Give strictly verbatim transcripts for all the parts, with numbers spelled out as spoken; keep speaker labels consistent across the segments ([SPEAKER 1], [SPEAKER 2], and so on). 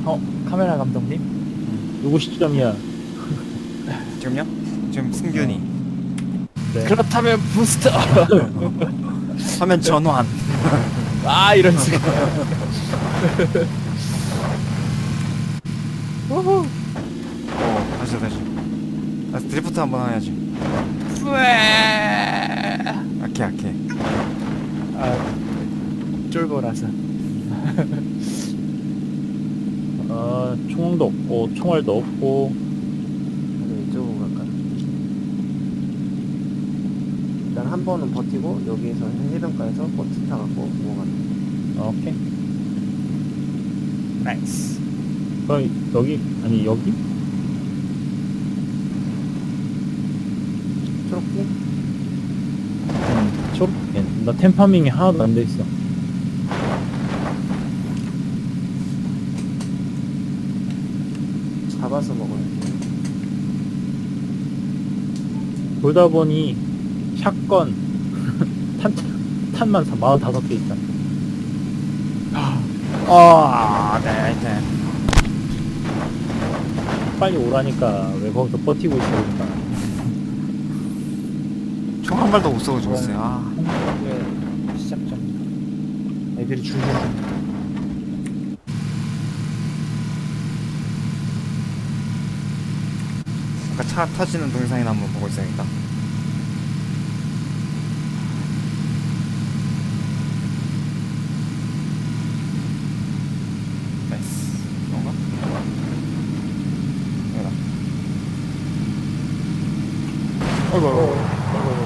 [SPEAKER 1] 어, 카메라 감독님?
[SPEAKER 2] 누구 시점이야?
[SPEAKER 3] 지금요? 지금 승균이.
[SPEAKER 2] 네.
[SPEAKER 1] 그렇다면 부스터!
[SPEAKER 3] 화면 전환.
[SPEAKER 1] 아, 이런 식으로. 우후!
[SPEAKER 3] 어, 다시 다시. 다시 드리프트 한번 해야지.
[SPEAKER 1] 뿌에!
[SPEAKER 3] 아케 아케.
[SPEAKER 1] 아, 쫄보라서.
[SPEAKER 2] 아, 총도 없고, 총알도 없고.
[SPEAKER 4] 그래서 이쪽으로 갈까? 일단 한 번은 버티고 여기에서 해변가에서 버스 타갖고 넘어가는.
[SPEAKER 2] 아, 오케이.
[SPEAKER 1] 나이스.
[SPEAKER 2] 그럼 여기, 아니, 여기?
[SPEAKER 4] 초록빛?
[SPEAKER 2] 음, 초록펜. 나 템파밍이 하나도 안 돼 있어.
[SPEAKER 4] 잡아서 먹어야지.
[SPEAKER 2] 돌다 보니, 샷건, 탄, 탄만 사십오 개 있다.
[SPEAKER 3] 아, 네, 네.
[SPEAKER 2] 빨리 오라니까, 왜 거기서 버티고 있어, 그러니까.
[SPEAKER 3] 총 한 발도 못 쏘고 죽었어요. 아,
[SPEAKER 1] 한국의 시작점. 애들이 줄줄 섭니다.
[SPEAKER 3] 아까 차 터지는 동영상이나 한번 보고 있어야겠다. 나이스. 이건가? 여기다. 어이구, 어이구.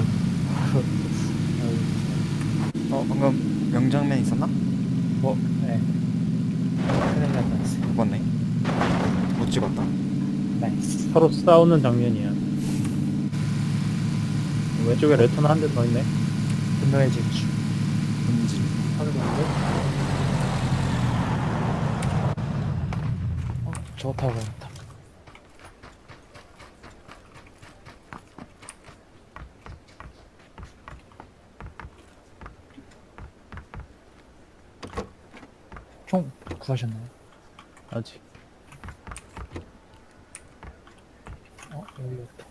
[SPEAKER 3] 어, 방금 명장면 있었나?
[SPEAKER 1] 뭐, 네. 큰일 날 뻔했어요.
[SPEAKER 3] 못 봤네. 못 찍었다.
[SPEAKER 1] 나이스.
[SPEAKER 2] 서로 싸우는 장면이야. 왼쪽에 레터나 한 대 더 있네.
[SPEAKER 1] 분노의 질주.
[SPEAKER 3] 본질.
[SPEAKER 1] 확인하고. 어, 저거 타고 가겠다. 총 구하셨나요?
[SPEAKER 2] 아직.
[SPEAKER 1] 어, 여기 있다.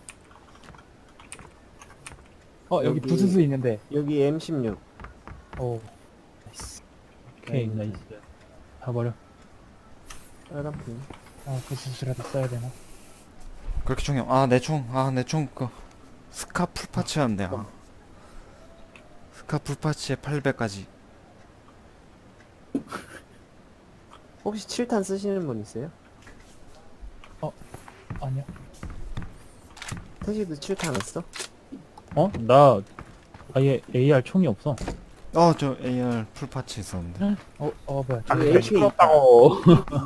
[SPEAKER 1] 어, 여기,
[SPEAKER 4] 여기-
[SPEAKER 1] 부스스 있는데.
[SPEAKER 4] 여기 엠 십육.
[SPEAKER 1] 오, 나이스.
[SPEAKER 2] 오케이,
[SPEAKER 4] 네.
[SPEAKER 2] 나이스. 다 버려.
[SPEAKER 4] 빨간 핀.
[SPEAKER 1] 아, 부스스라도 써야 되나?
[SPEAKER 3] 그렇게 총이, 아, 내 총, 아, 내 총, 그, 스카 풀파츠였는데, 아. 스카 풀파츠에 팔백까지.
[SPEAKER 4] 혹시 칠 탄 쓰시는 분 있어요?
[SPEAKER 1] 아니요.
[SPEAKER 4] 태시도 칠 탄 했어?
[SPEAKER 2] 어? 나 아예 에이알 총이 없어.
[SPEAKER 3] 어, 저 에이알 풀파츠 있었는데.
[SPEAKER 1] 어, 어, 뭐야.
[SPEAKER 4] 여기
[SPEAKER 1] 저기
[SPEAKER 4] 에이케이
[SPEAKER 2] 시끄럽다고.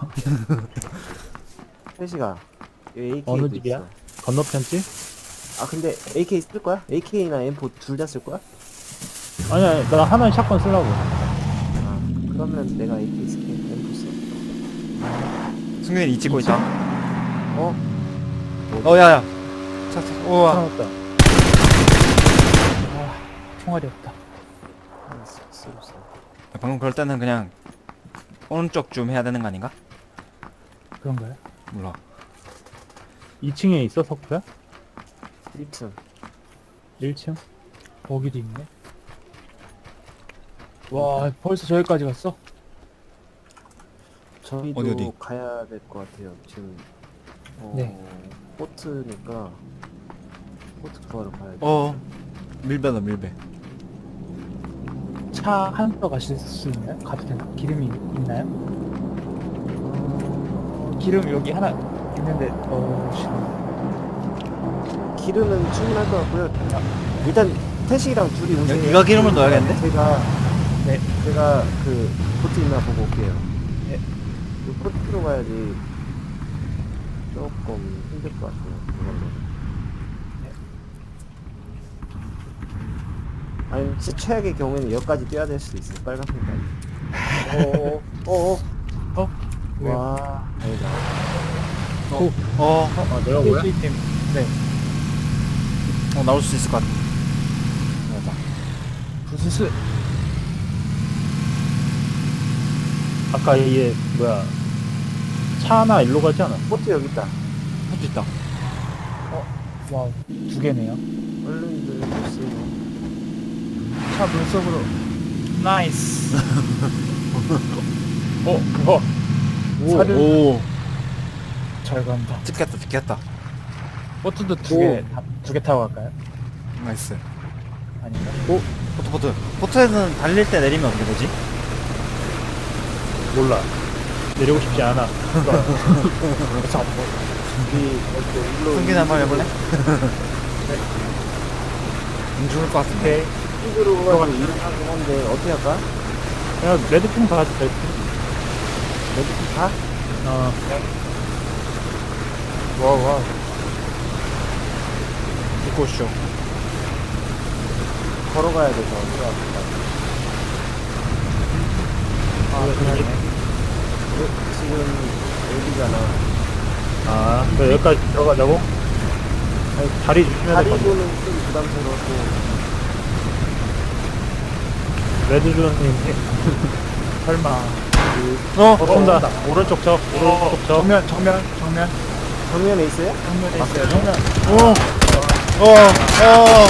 [SPEAKER 4] 태시가 여기 에이케이
[SPEAKER 2] 어느 집이야? 건너편지?
[SPEAKER 4] 아 근데 에이케이 쓸 거야? 에이케이나 엠 사 둘 다 쓸 거야?
[SPEAKER 2] 아니, 아니, 나 하나는 샷건 쓰려고.
[SPEAKER 4] 아 그러면 내가 에이케이 쓸게. 엠 사 써.
[SPEAKER 3] 승균이 이 찍고 있다.
[SPEAKER 4] 어?
[SPEAKER 3] 어, 야, 야. 차, 차, 우와.
[SPEAKER 2] 살아났다.
[SPEAKER 1] 아, 총알이 없다.
[SPEAKER 4] 아, 쓰- 쓰고 있어.
[SPEAKER 3] 방금 그럴 때는 그냥 오른쪽 좀 해야 되는 거 아닌가?
[SPEAKER 1] 그런가요?
[SPEAKER 3] 몰라.
[SPEAKER 2] 이 층에 있어, 석구야?
[SPEAKER 4] 일 층.
[SPEAKER 2] 일 층?
[SPEAKER 1] 거기도 있네. 와, 벌써 저기까지 갔어?
[SPEAKER 4] 저희도
[SPEAKER 3] 어디, 어디?
[SPEAKER 4] 가야 될 것 같아요. 지금 어,
[SPEAKER 1] 네.
[SPEAKER 4] 포트니까 포트 구하러 가야 돼.
[SPEAKER 3] 어, 밀배다, 밀배.
[SPEAKER 1] 차 한 표 가실 수 있나요? 가도 되나? 기름이 있나요? 기름 여기 하나 있는데, 어, 씨.
[SPEAKER 4] 기름은 충분할 것 같고요. 일단 태식이랑 둘이 오세요.
[SPEAKER 3] 네가 기름을 넣어야겠는데?
[SPEAKER 4] 제가
[SPEAKER 1] 네.
[SPEAKER 4] 제가 그 포트 있나 보고 올게요.
[SPEAKER 1] 네.
[SPEAKER 4] 그 포트로 가야지 조금 힘들 것 같아요. 이걸로. 아니 진짜 최악의 경우에는 여기까지 뛰어야 될 수도 있어요. 빨간 핀까지. 어어 어어
[SPEAKER 1] 어? 왜요?
[SPEAKER 4] 와 아니다.
[SPEAKER 3] 어, 어,
[SPEAKER 2] 아, 내가 뭐야?
[SPEAKER 1] 필수이템. 네.
[SPEAKER 3] 어, 나올 수 있을 것 같아.
[SPEAKER 1] 맞아. 부스스.
[SPEAKER 2] 아까 얘, 뭐야. 차 하나 일로 가지 않아?
[SPEAKER 4] 보트 여기 있다.
[SPEAKER 3] 할수 있다.
[SPEAKER 1] 와우, 두 개네요.
[SPEAKER 4] 얼른들 보세요.
[SPEAKER 1] 차 물속으로. 나이스. 어, 어,
[SPEAKER 2] 오,
[SPEAKER 1] 사륜.
[SPEAKER 3] 오,
[SPEAKER 1] 잘 간다.
[SPEAKER 3] 찍혔다, 찍혔다.
[SPEAKER 1] 보트도 두
[SPEAKER 2] 오.
[SPEAKER 1] 개, 두 개 타고 갈까요?
[SPEAKER 3] 나이스.
[SPEAKER 1] 아닌가?
[SPEAKER 3] 포트, 포트. 포트에서는 달릴 때 내리면 어떻게 되지?
[SPEAKER 2] 몰라. 내리고 싶지 않아.
[SPEAKER 1] 그래서 안 보여.
[SPEAKER 4] 우리 이렇게 일로
[SPEAKER 3] 승균이 한번 해볼래? 안 죽을 것 같은데.
[SPEAKER 1] 오케이.
[SPEAKER 4] 이쪽으로 가서 일을 하긴 한데 어떻게 할까?
[SPEAKER 2] 그냥 레드핑 가지, 레드핑.
[SPEAKER 4] 레드팀 가?
[SPEAKER 2] 어,
[SPEAKER 1] 와, 와.
[SPEAKER 3] 입고 오시죠.
[SPEAKER 4] 걸어가야 돼서 어떻게 할까?
[SPEAKER 1] 아, 그냥
[SPEAKER 4] 지금 여기잖아.
[SPEAKER 2] 아, 너 여기까지 들어가자고? 아니, 다리 조심해야
[SPEAKER 4] 다리
[SPEAKER 2] 될것 같아.
[SPEAKER 4] 보는 좀 부담스러웠고.
[SPEAKER 2] 레드존님,
[SPEAKER 1] 설마.
[SPEAKER 3] 어?
[SPEAKER 2] 어, 쏜다. 오른쪽 적, 오른쪽 적.
[SPEAKER 1] 정면, 정면, 정면.
[SPEAKER 4] 정면에 있어요?
[SPEAKER 1] 정면에 있어요. 정면.
[SPEAKER 3] 어, 어, 어.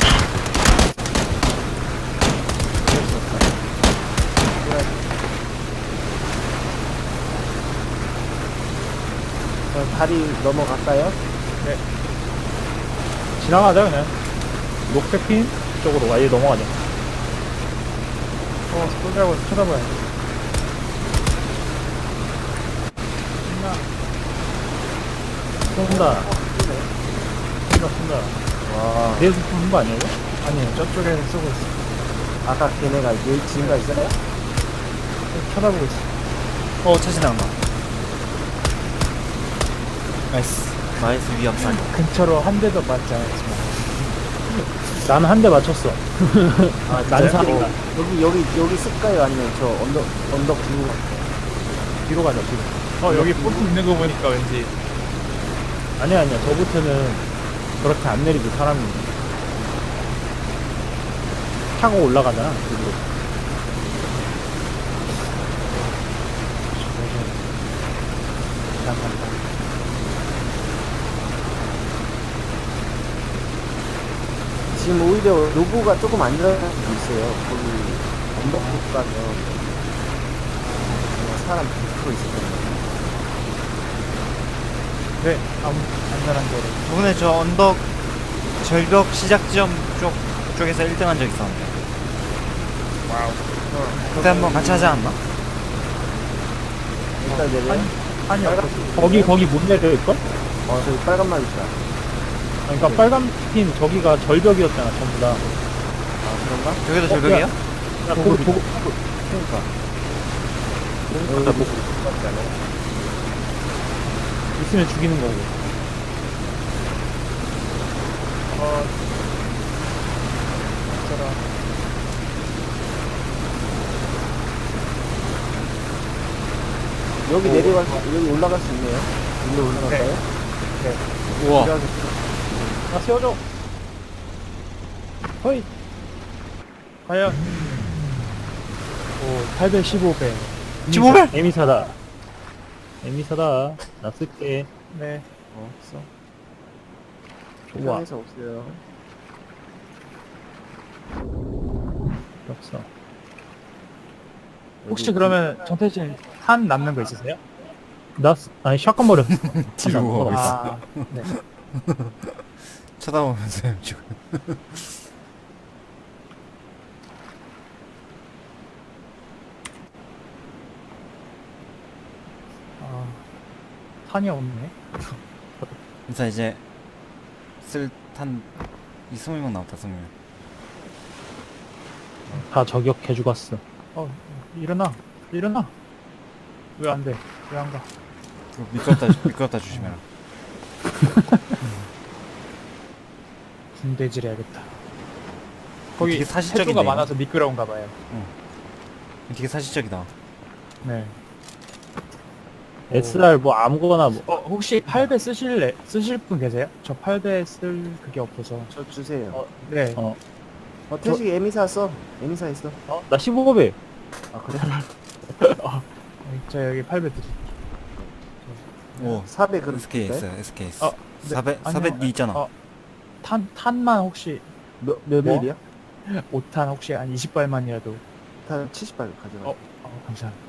[SPEAKER 4] 저 다리 넘어갈까요?
[SPEAKER 2] 지나가자, 그냥. 녹색 핀 쪽으로 아예 넘어가자.
[SPEAKER 1] 어, 쏘자고 쳐다봐야 돼.
[SPEAKER 2] 쏜다. 쏜다, 쏜다.
[SPEAKER 4] 와.
[SPEAKER 2] 뒤에서 쏘는 거 아니야, 이거?
[SPEAKER 1] 아니에요. 저쪽에 쏘고 있어.
[SPEAKER 4] 아까 걔네가 여기 지인가 있어요?
[SPEAKER 1] 쳐다보고 있어.
[SPEAKER 3] 어, 차 지나간다. 나이스. 나이스 위험상.
[SPEAKER 1] 근처로 한 대도 맞지 않았지만.
[SPEAKER 2] 나는 한 대 맞췄어.
[SPEAKER 1] 아,
[SPEAKER 2] 난사인가?
[SPEAKER 4] 여기 여기 여기 쓸까요? 아니면 저 언덕 언덕 뒤로
[SPEAKER 1] 뒤로 가자, 뒤로. 어, 여기 보트 있는 거 보니까 왠지.
[SPEAKER 2] 아니야, 아니야. 저부터는 그렇게 안 내리고 사람이. 타고 올라가잖아, 그리고.
[SPEAKER 1] 잠깐만.
[SPEAKER 4] 지금 오히려 로고가 조금 안 들어갈 수도 있어요. 거기 언덕 쪽 가면 그냥 사람 백 퍼센트 있을 거예요.
[SPEAKER 1] 네, 아무, 안전한 거로.
[SPEAKER 3] 저번에 저 언덕 절벽 시작 지점 쪽, 쪽에서 일 등 한 적 있었는데.
[SPEAKER 1] 와우.
[SPEAKER 3] 그때 한번 같이 하지 않았나?
[SPEAKER 4] 일단 내려요.
[SPEAKER 1] 아니, 없어.
[SPEAKER 2] 거기, 거기 못 내려일걸?
[SPEAKER 4] 어 저기 빨간 말 있다.
[SPEAKER 2] 그러니까 빨간 핀 저기가 절벽이었잖아, 전부 다.
[SPEAKER 4] 아 그런가?
[SPEAKER 3] 여기도 절벽이에요?
[SPEAKER 2] 야, 보고, 보고, 보고.
[SPEAKER 4] 그러니까.
[SPEAKER 2] 여기다 보고. 있으면 죽이는 거고.
[SPEAKER 1] 어, 어쩌라.
[SPEAKER 4] 여기 내려갈 수 여기 올라갈 수 있네요. 여기로 올라갈까요?
[SPEAKER 3] 우와.
[SPEAKER 2] 아, 세워줘. 허이.
[SPEAKER 1] 과연. 오, 팔백십오 배.
[SPEAKER 3] 십오 배?
[SPEAKER 2] 에미사다. 에미사다. 나 쓸게.
[SPEAKER 1] 네.
[SPEAKER 4] 어 없어.
[SPEAKER 2] 좋아.
[SPEAKER 4] 편에서 없어요.
[SPEAKER 2] 없어.
[SPEAKER 1] 혹시 그러면 정태진 탄 남는 거 있으세요?
[SPEAKER 2] 나, 쓰- 아니, 샷건 버렸어.
[SPEAKER 3] 뒤로.
[SPEAKER 2] 아,
[SPEAKER 1] 아, 네.
[SPEAKER 3] 쳐다보면서 지금.
[SPEAKER 1] 아, 탄이 없네.
[SPEAKER 3] 일단 이제 쓸 탄 이십 명 남았다, 이십 명.
[SPEAKER 2] 다 저격해 죽었어.
[SPEAKER 1] 어, 일어나. 일어나. 왜 안 돼? 왜 안 가?
[SPEAKER 3] 그거 미끄럽다, 미끄럽다 조심해라.
[SPEAKER 1] 군대질 해야겠다. 거기
[SPEAKER 3] 되게 사실적인데,
[SPEAKER 1] 해수가
[SPEAKER 3] 이거?
[SPEAKER 1] 많아서 미끄러운가 봐요.
[SPEAKER 3] 되게 사실적이다.
[SPEAKER 1] 네.
[SPEAKER 2] 에스알 뭐 아무거나 뭐.
[SPEAKER 1] 어, 혹시 팔 배 쓰실래? 쓰실 분 계세요? 저 팔 배 쓸 그게 없어서.
[SPEAKER 4] 저 주세요.
[SPEAKER 1] 어, 네.
[SPEAKER 2] 어,
[SPEAKER 4] 어 태식이 에미사 써. 에미사 있어.
[SPEAKER 2] 어? 나 십오 배.
[SPEAKER 4] 아 그래?
[SPEAKER 1] 저 여기 팔 배 드릴게요.
[SPEAKER 3] 오
[SPEAKER 4] 사백으로
[SPEAKER 3] 에스케이
[SPEAKER 4] 줄까요?
[SPEAKER 3] 있어요 에스케이
[SPEAKER 1] 어,
[SPEAKER 3] 있어
[SPEAKER 1] 네,
[SPEAKER 3] 사백
[SPEAKER 1] 아니요.
[SPEAKER 3] 사백 있잖아
[SPEAKER 1] 어. 탄, 탄만 혹시
[SPEAKER 4] 몇, 몇
[SPEAKER 1] 뭐?
[SPEAKER 4] 일이야?
[SPEAKER 1] 오 탄 혹시 한 이십 발만이라도.
[SPEAKER 4] 한 칠십 발 가져가.
[SPEAKER 1] 어, 어 감사합니다.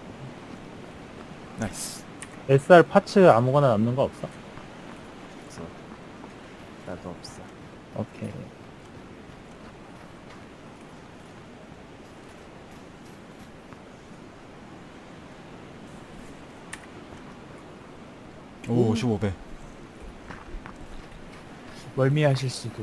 [SPEAKER 3] 나이스
[SPEAKER 2] 에스알 파츠 아무거나 남는 거 없어?
[SPEAKER 4] 없어. 나도 없어.
[SPEAKER 2] 오케이.
[SPEAKER 3] 오 십오 배
[SPEAKER 1] 멀미하실 수도.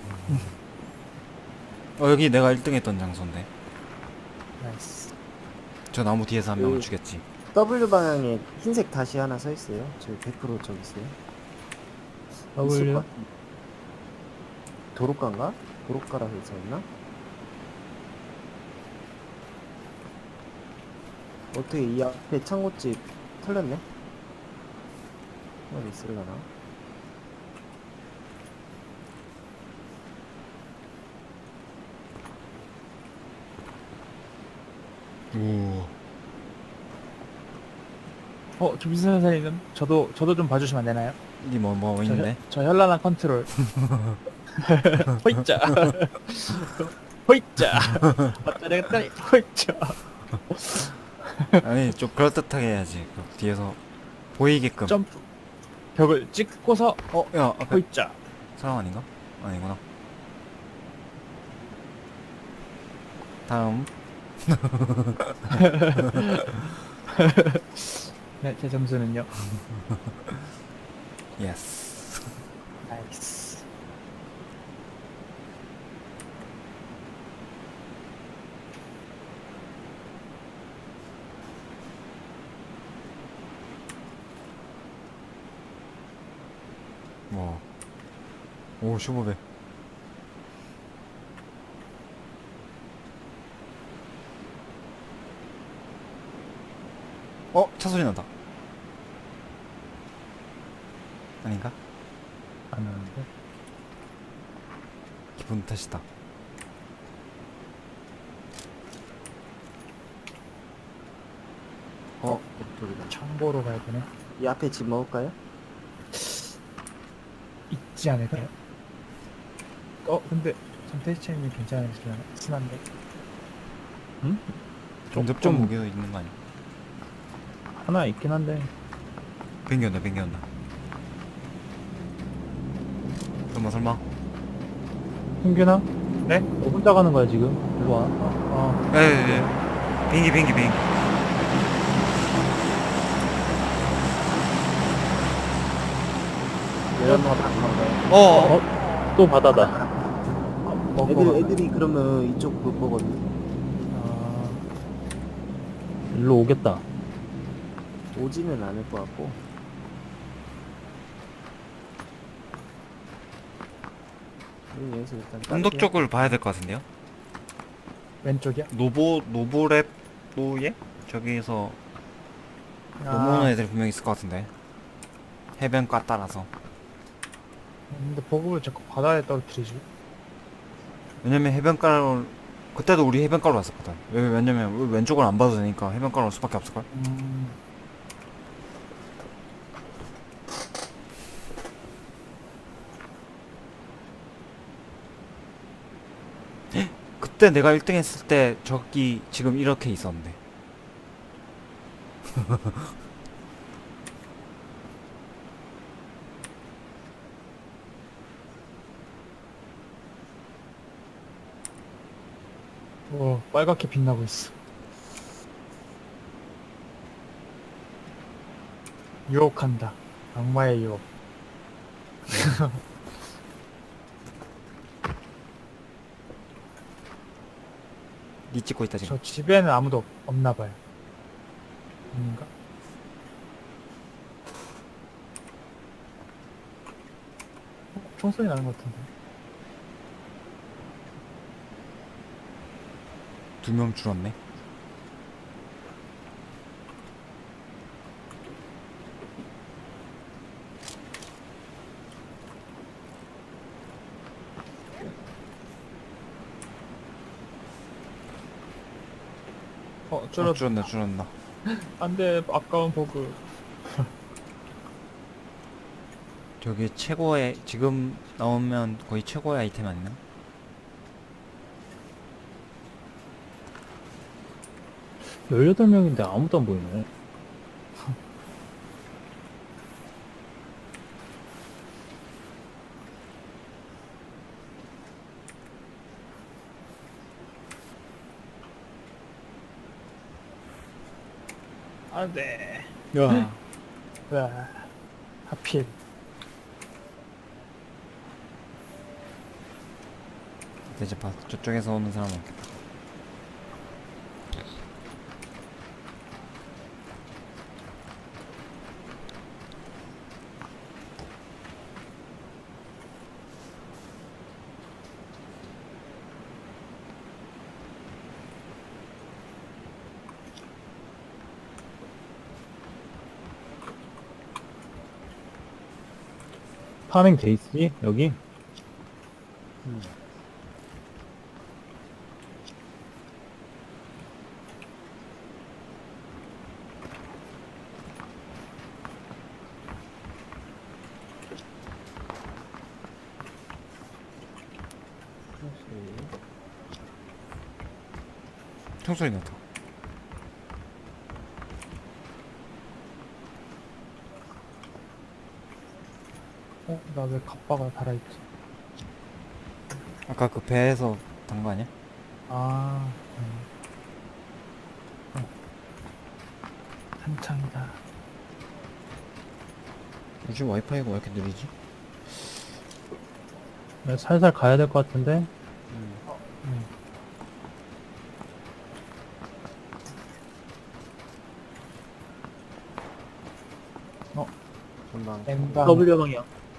[SPEAKER 3] 어 여기 내가 일 등 했던 장소인데
[SPEAKER 1] 나이스.
[SPEAKER 3] 저 나무 뒤에서 한 명을
[SPEAKER 4] 그-
[SPEAKER 3] 죽였지
[SPEAKER 4] W 방향에 흰색 다시 하나 서 있어요. 저기 백 퍼센트 저기 있어요. 있을
[SPEAKER 1] W.
[SPEAKER 4] 것 같은데. 도로가인가? 도로가라고 있었나? 어떻게 이 앞에 창고집 털렸네? 어디 있으려나?
[SPEAKER 3] 오
[SPEAKER 1] 어, 조비스 선생님, 저도 저도 좀 봐주시면 안 되나요?
[SPEAKER 3] 이게 뭐 뭐
[SPEAKER 1] 저,
[SPEAKER 3] 있는데
[SPEAKER 1] 현- 저 현란한 컨트롤. 호이자. 호이자. 어쩌다 했더니 호이자.
[SPEAKER 3] 아니 좀 그럴듯하게 해야지 그 뒤에서 보이게끔
[SPEAKER 1] 점프. 벽을 찍고서 어,
[SPEAKER 3] 야 앞에
[SPEAKER 1] 호이자.
[SPEAKER 3] 사람 아닌가? 아니구나 다음
[SPEAKER 1] 네, 제 점수는요.
[SPEAKER 3] 예스
[SPEAKER 1] 나이스.
[SPEAKER 3] 뭐. 오 십오 배 어? 차 소리 난다 아닌가?
[SPEAKER 2] 안 하는데.
[SPEAKER 3] 기분 탓이다
[SPEAKER 4] 어? 저기다.
[SPEAKER 1] 정보로 가야 되네.
[SPEAKER 4] 이 앞에 집 먹을까요?
[SPEAKER 1] 있지 않을까요? 어, 근데 전태치님이 괜찮으시려나? 친한데.
[SPEAKER 3] 좀
[SPEAKER 2] 조금
[SPEAKER 3] 무게도 있는 거 아니야?
[SPEAKER 2] 하나 있긴 한데.
[SPEAKER 3] 비행기 온다 비행기 온다 설마 설마
[SPEAKER 2] 흥균아?
[SPEAKER 1] 네?
[SPEAKER 2] 너 혼자 가는 거야 지금? 일로 와.
[SPEAKER 1] 어,
[SPEAKER 3] 에에에 비행기 비행기 비행기
[SPEAKER 4] 내려놓아 다
[SPEAKER 3] 어어
[SPEAKER 2] 어? 또 바다다.
[SPEAKER 1] 어,
[SPEAKER 4] 애들,
[SPEAKER 1] 어,
[SPEAKER 4] 애들이 그러면 이쪽 못 보거든.
[SPEAKER 1] 어,
[SPEAKER 2] 일로 오겠다.
[SPEAKER 4] 오지는 않을 것 같고. 우리 여기서 일단
[SPEAKER 3] 언덕
[SPEAKER 4] 따를게요.
[SPEAKER 3] 쪽을 봐야 될 것 같은데요?
[SPEAKER 1] 왼쪽이야?
[SPEAKER 3] 노보 노보랩 노예? 저기서 넘어오는
[SPEAKER 1] 아,
[SPEAKER 3] 애들 분명 있을 것 같은데 해변가 따라서
[SPEAKER 1] 근데 보급을 자꾸 바다에 떨어뜨리지.
[SPEAKER 3] 왜냐면 해변가로 그때도 우리 해변가로 왔었거든 왜, 왜냐면 우리 왼쪽을 안 봐도 되니까 해변가로 올 수밖에 없을걸?
[SPEAKER 1] 음,
[SPEAKER 3] 그때 내가 일 등 했을 때 저기 지금 이렇게 있었는데
[SPEAKER 1] 오, 빨갛게 빛나고 있어. 유혹한다. 악마의 유혹.
[SPEAKER 3] 니 찍고 있다 지금
[SPEAKER 1] 저 집에는 아무도 없, 없나 봐요. 아닌가? 어, 총소리 나는 것 같은데.
[SPEAKER 3] 두 명 줄었네
[SPEAKER 1] 어,
[SPEAKER 3] 줄
[SPEAKER 1] 줄어.
[SPEAKER 3] 어, 줄었네 줄었나
[SPEAKER 1] 안 돼, 아까운 보급.
[SPEAKER 3] 저기 최고의 지금 나오면 거의 최고의 아이템 아니나?
[SPEAKER 2] 열여덟 명인데 아무도 안 보이네.
[SPEAKER 1] 안돼.
[SPEAKER 3] 야.
[SPEAKER 1] 와. 하필.
[SPEAKER 3] 이제 봐. 저쪽에서 오는 사람 없겠다.
[SPEAKER 2] 파밍 돼 있지? 여기?
[SPEAKER 4] 음.
[SPEAKER 3] 총소리 나다.
[SPEAKER 1] 어? 나 왜 갑바가 달아있지?
[SPEAKER 3] 아까 그 배에서 단 거 아니야?
[SPEAKER 1] 아. 음. 어. 한창이다.
[SPEAKER 3] 요즘 와이파이가 왜 이렇게 느리지?
[SPEAKER 2] 네, 살살 가야 될 것 같은데?
[SPEAKER 4] 음.
[SPEAKER 1] 음.
[SPEAKER 4] 금방.
[SPEAKER 1] 엠방.
[SPEAKER 2] W 방향.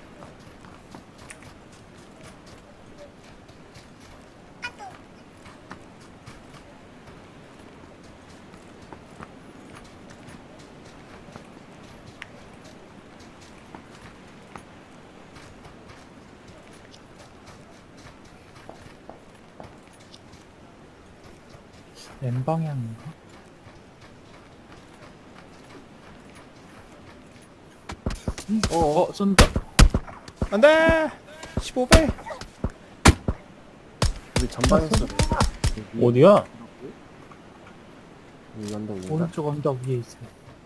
[SPEAKER 1] N방향인가?
[SPEAKER 4] 어,
[SPEAKER 1] 어, 쏜다.
[SPEAKER 3] 안돼! 십오 배!
[SPEAKER 4] 우리 전방에서.
[SPEAKER 2] 어디야?
[SPEAKER 4] 이 언덕 위인가?
[SPEAKER 1] 오른쪽 언덕 위에 있어요.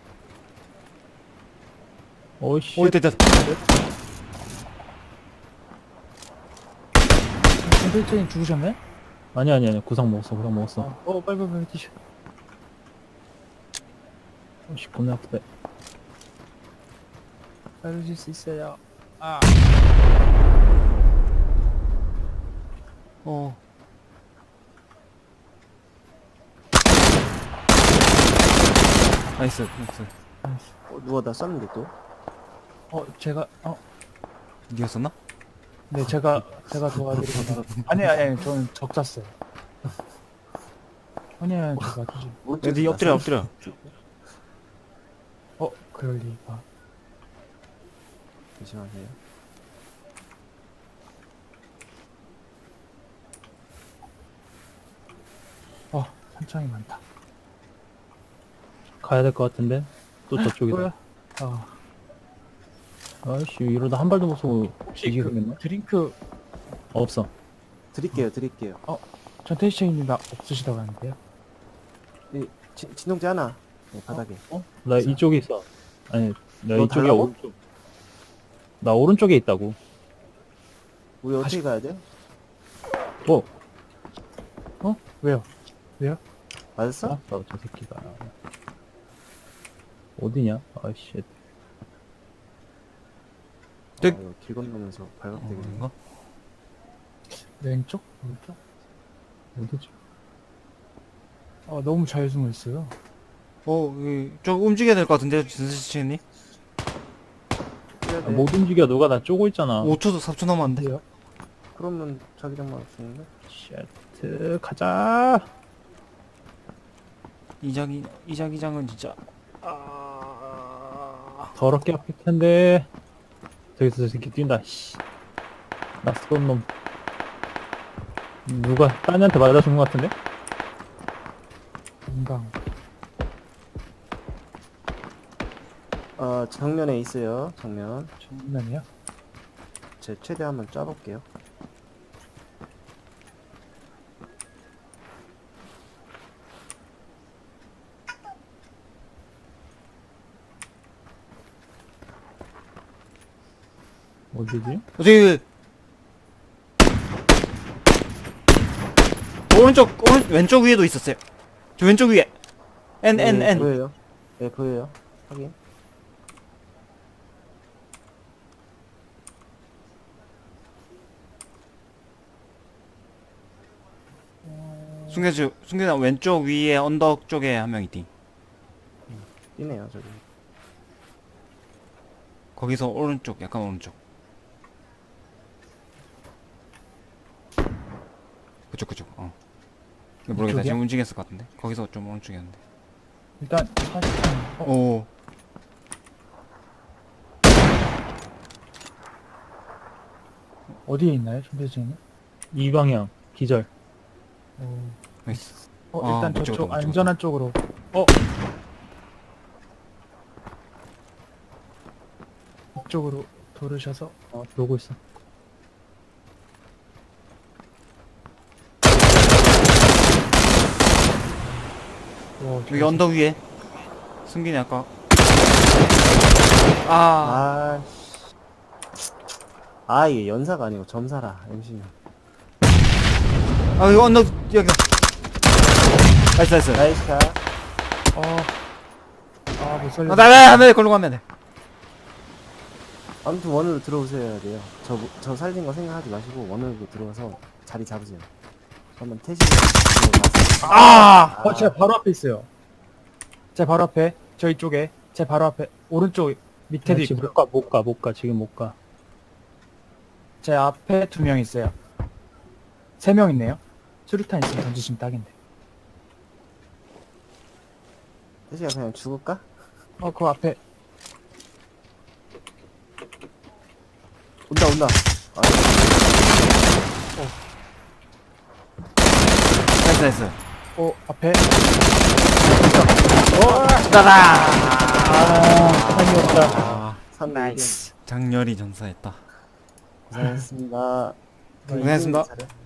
[SPEAKER 2] 어이씨.
[SPEAKER 3] 오, 됐다.
[SPEAKER 1] 선생님 죽으셨네?
[SPEAKER 2] 아니, 아니, 아니. 구상 먹었어, 구상 먹었어.
[SPEAKER 1] 어, 어, 빨리 빨리 빨리 뛰셔.
[SPEAKER 2] 어이씨, 겁나 아프다.
[SPEAKER 1] 살려줄 수 있어요. 아.
[SPEAKER 3] 어. 나이스, 나이스.
[SPEAKER 4] 어, 누가 나 쐈는데 또?
[SPEAKER 1] 어, 제가, 어,
[SPEAKER 3] 니였었나?
[SPEAKER 1] 네, 제가, 제가 도와드리고. 아니, 아니, 아니, 저는 적 쐈어요. 아니, 아니, 저 맞지.
[SPEAKER 3] 야,
[SPEAKER 4] 오른쪽에서
[SPEAKER 3] 니 엎드려,
[SPEAKER 4] 나
[SPEAKER 3] 엎드려.
[SPEAKER 1] 어, 그럴 리가.
[SPEAKER 4] 조심하세요.
[SPEAKER 1] 어, 산창이 많다.
[SPEAKER 2] 가야 될 것 같은데? 또 저쪽이다.
[SPEAKER 1] 뭐야? 아,
[SPEAKER 2] 아이씨, 이러다 한 발도 못 쏘고
[SPEAKER 1] 혹시
[SPEAKER 2] 뒤지게
[SPEAKER 1] 그
[SPEAKER 2] 생겼네?
[SPEAKER 1] 드링크,
[SPEAKER 2] 없어.
[SPEAKER 4] 드릴게요, 드릴게요.
[SPEAKER 1] 전태시장님 나 없으시다고 하는데요?
[SPEAKER 4] 이 진- 진동제 하나. 네, 바닥에.
[SPEAKER 2] 어? 나 이쪽에 있어. 아니, 나
[SPEAKER 4] 너
[SPEAKER 2] 이쪽에
[SPEAKER 4] 달라고?
[SPEAKER 2] 오른쪽. 나 오른쪽에 있다고.
[SPEAKER 4] 우리 어떻게 가야 돼?
[SPEAKER 2] 뭐?
[SPEAKER 1] 어? 왜요? 왜요?
[SPEAKER 4] 맞았어?
[SPEAKER 2] 아, 저 새끼가. 어디냐? 아이씨.
[SPEAKER 4] 아, 이거 길 건너면서 발각되겠네.
[SPEAKER 3] 뭔가?
[SPEAKER 1] 왼쪽? 오른쪽?
[SPEAKER 2] 어디지?
[SPEAKER 1] 아, 너무 잘 숨어 있어요.
[SPEAKER 3] 어, 이, 저 움직여야 될 것 같은데요, 진수씨님?
[SPEAKER 4] 해야
[SPEAKER 2] 아,
[SPEAKER 4] 돼.
[SPEAKER 2] 못 움직여. 너가 나 쪼고 있잖아.
[SPEAKER 3] 오 초도 사 초 남았는데?
[SPEAKER 1] 왜요?
[SPEAKER 4] 그러면 자기장만 없는데?
[SPEAKER 2] 쉣. 가자.
[SPEAKER 3] 이자기, 이자기장은 진짜. 아...
[SPEAKER 2] 더럽게 아플 텐데. 저기서 저 새끼 뛴다. 씨. 낯선 놈. 누가 딴애한테 맞아준 것 같은데?
[SPEAKER 1] 금방.
[SPEAKER 4] 어, 정면에 있어요. 정면.
[SPEAKER 1] 정면이요?
[SPEAKER 4] 제 최대 한번 쏴볼게요.
[SPEAKER 2] 어디지?
[SPEAKER 3] 저기 오른쪽 오른 왼쪽 위에도 있었어요. 저 왼쪽 위에 N N
[SPEAKER 4] 네,
[SPEAKER 3] N
[SPEAKER 4] 보여요. 네, 보여요. 확인.
[SPEAKER 3] 승계주 승계장 왼쪽 위에 언덕 쪽에 한 명 있디.
[SPEAKER 4] 뛰네요, 저기.
[SPEAKER 3] 거기서 오른쪽 약간 오른쪽. 그쪽 그쪽. 어. 모르겠다.
[SPEAKER 1] 이쪽이야?
[SPEAKER 3] 지금 움직였을 것 같은데. 거기서 좀 오른쪽이었는데.
[SPEAKER 1] 일단 사실상 어,
[SPEAKER 3] 오.
[SPEAKER 1] 어디에 있나요, 준비진은?
[SPEAKER 2] 이 방향 기절.
[SPEAKER 1] 어,
[SPEAKER 3] 나이스.
[SPEAKER 1] 어
[SPEAKER 3] 아,
[SPEAKER 1] 일단
[SPEAKER 3] 못
[SPEAKER 1] 저쪽
[SPEAKER 3] 찍었다, 못
[SPEAKER 1] 안전한 쪽으로. 어. 이쪽으로 돌으셔서.
[SPEAKER 2] 어 들어오고 있어.
[SPEAKER 1] 와,
[SPEAKER 3] 여기 언덕 위에. 승균이 아까. 아.
[SPEAKER 4] 아, 씨. 아, 이게 연사가 아니고 점사라, 엠씨는.
[SPEAKER 3] 아 여기 언덕 여기다. 나이스 나이스.
[SPEAKER 4] 나이스 샷.
[SPEAKER 1] 어. 아, 못 살려.
[SPEAKER 3] 아, 나나 나 걸로 가면 돼.
[SPEAKER 4] 아무튼 원으로 들어오셔야 돼요. 저, 저 살린 거 생각하지 마시고 원으로 들어와서 자리 잡으세요. 저 한번 태시 들어가서.
[SPEAKER 3] 아.
[SPEAKER 1] 어, 제 바로 앞에 있어요. 제 바로 앞에. 저희 쪽에. 제 바로 앞에. 오른쪽 밑에도
[SPEAKER 2] 나 지금
[SPEAKER 1] 있고요.
[SPEAKER 2] 못 가, 못 가, 못 가. 지금 못 가.
[SPEAKER 1] 제 앞에 두 명 있어요. 세 명 있네요. 수류탄 있으면 던지시면 딱인데.
[SPEAKER 4] 태시가 그냥 죽을까?
[SPEAKER 1] 어, 그 앞에.
[SPEAKER 4] 온다, 온다. 아,
[SPEAKER 3] 나이스 나이스.
[SPEAKER 1] 어, 앞에.
[SPEAKER 3] 따라.
[SPEAKER 2] 아, 타이밍 없다.
[SPEAKER 3] 아.
[SPEAKER 4] 삼 대 일.
[SPEAKER 3] 장렬히 전사했다.
[SPEAKER 4] 고생했습니다.
[SPEAKER 3] 고생했습니다.
[SPEAKER 4] 잘해.